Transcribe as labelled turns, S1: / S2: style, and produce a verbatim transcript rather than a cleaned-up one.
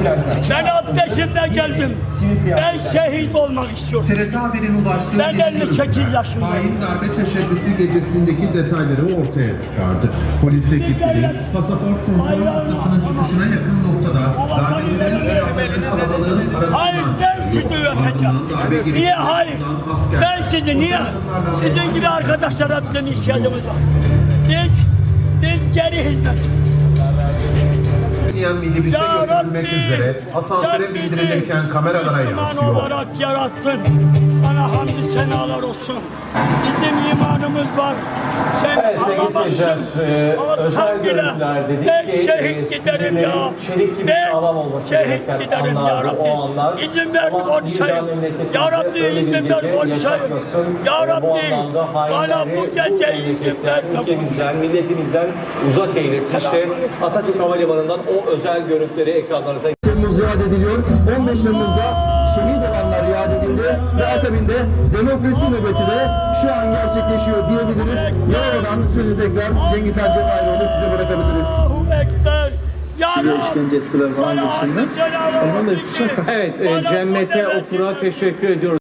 S1: Ben alt yaşında geldim. Ben şehit olmak istiyorum.
S2: T R T haberin ulaştığı
S1: Ben elli sekiz yaşındayım.
S2: hain darbe teşebbüsü gecesindeki detayları ortaya çıkardı. Polis ekipleri pasaport kontrol noktasının çıkışına yakın noktada darbecilerin silahlarını kalabalığın
S1: Hayır,
S2: arasından
S1: ben sizi öpeceğim. Niye hayır? Ben sizi niye? Sizin gibi arkadaşlara bizim ihtiyacımız var. Biz, biz geri hizmet.
S2: minibüse götürülmek üzere asansöre bindirilirken kameralara yansıyor.
S1: olarak yarattın. Sana hamdü senalar olsun. Bizim imanımız var. Sen
S3: Evet,
S1: alamazsın.
S3: e,
S1: Alsan bile ben şehit giderim ya. Ben şehit giderim ya Rabbi. İzin ver konuşayım. Ya Rabbi izin ver konuşayım. Ya Rabbi bana bu gece izin ver.
S4: Ülkemizden, milletimizden uzak eylesin. İşte Atatürk Havalimanı'ndan o özel görüntüleri ekranlarınıza
S5: Temmuz yad ediliyor. on beş Temmuz'da şehit olanlar yad edildi ve akabinde demokrasi nöbeti de şu an gerçekleşiyor diyebiliriz. Yalova'dan sözü tekrar Cengiz Han Cemayiroğlu size bırakabiliriz.
S1: Allahu Ekber. Ya
S6: Bize işkence ettiler falan gibisinden. Ondan da suçlar
S4: Evet, e, Cennete Okur'a teşekkür ediyoruz.